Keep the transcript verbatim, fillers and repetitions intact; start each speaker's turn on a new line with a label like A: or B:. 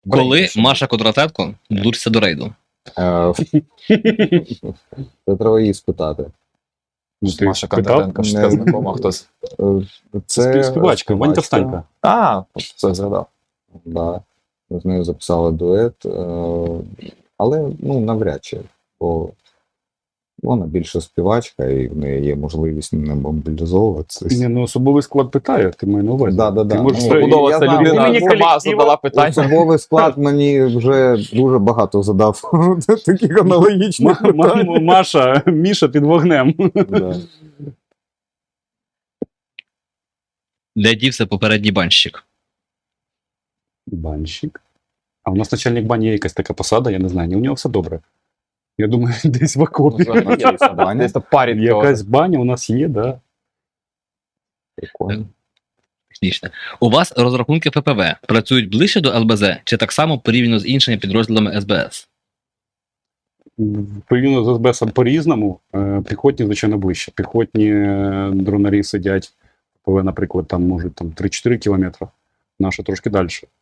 A: Коли Маша Кондратенко долучиться до рейду?
B: Е, Це треба її спитати.
C: Ну, ти
D: Маша
C: питав?
D: Кондратенко, що
B: Не-
D: ти знакома хтось.
B: Е, Це
C: Співачка, Ванька Встанька.
D: А, все згадав.
B: Да. З нею записали дует, е, але ну, навряд чи, бо вона більше співачка і в неї є можливість не мобілізовуватися.
C: Ні, ну особовий склад питає, ти маю на увазі.
B: Да, да, да.
C: Ти можеш
B: Ну,
C: сказати,
D: Будова
B: я
D: ця
B: знаю,
D: людина
C: імені
D: сама
C: колектива.
D: задала питання.
B: Особовий склад мені вже дуже багато задав таких аналогічних
C: Ма- ма-
B: питань.
C: Маша, Міша під вогнем.
B: Да.
A: Де дівся попередній банщик?
C: Банщик. А у нас начальник бані є якась така посада, я не знаю, ні, у нього все добре. Я думаю, десь в окопі.
D: Десь то парень.
C: Якась баня у нас є, да.
B: Прикольно.
A: Технічне. У вас розрахунки Ф П В працюють ближче до Л Б З чи так само порівняно з іншими підрозділами С Б С?
C: Порівняно з С Б С по-різному. Е, Піхотні, звичайно, ближче. Піхотні е, дронарі сидять, ПВ, наприклад, там можуть там три-чотири кілометри. Наші трошки далі.